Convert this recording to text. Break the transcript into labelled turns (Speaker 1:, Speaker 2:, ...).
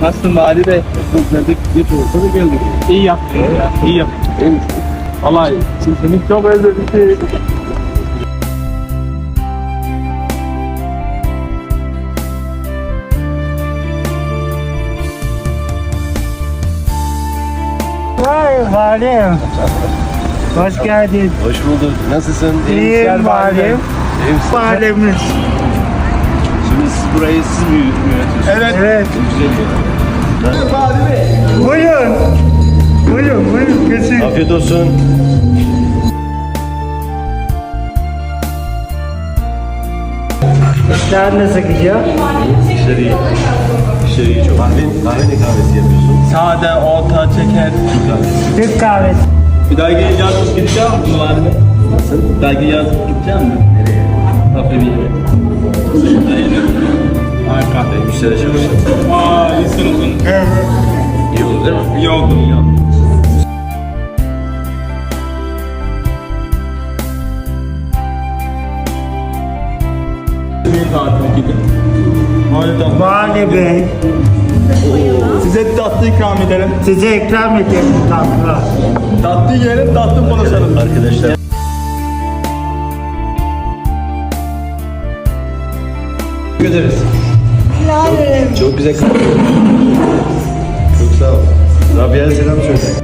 Speaker 1: Nasılsın Vali Bey? Özledik. Bir olsa da geldik. İyi yaptın ya. İyi yaptın. Vallahi seni çok özledik.
Speaker 2: Vay valim. Hoş geldin.
Speaker 3: Hoş bulduk. Nasılsın?
Speaker 2: İyiyim valim.
Speaker 3: İyi misin?
Speaker 2: Valimiz.
Speaker 3: Şimdi siz burayı siz mi yönetiyorsunuz?
Speaker 2: Evet.
Speaker 3: Güzel.
Speaker 2: Buyurun. Buyurun geçin.
Speaker 3: Afiyet olsun.
Speaker 2: İşler nasıl gidiyor?
Speaker 3: İşler iyi. İşler iyi çok. Kahve ne kahvesi yapıyorsun?
Speaker 1: Sade, orta, çeker.
Speaker 2: Türk kahvesi.
Speaker 1: Bir daha yazıp gideceğim mi Vali Bey? Nasıl? Bir daha yazıp gideceğim mi? Nereye? Kafe bir yere. Ay kahve.
Speaker 3: Müşteriye çalışacağım.
Speaker 1: Aa, iyisin o zaman.
Speaker 2: Evet.
Speaker 3: İyi olur değil mi?
Speaker 1: İyi oldu, iyi oldu. Bir tatil gidin. Hadi
Speaker 2: Vali Bey,
Speaker 1: size tatlı ikram edelim.
Speaker 2: size ikram edelim tatlı.
Speaker 1: Tatlı yiyelim, tatlı konuşalım.
Speaker 3: Arkadaşlar.
Speaker 1: Teşekkür ederiz.
Speaker 3: Çok güzel kahve. Çok sağ ol. Rabia'ya selam söyle.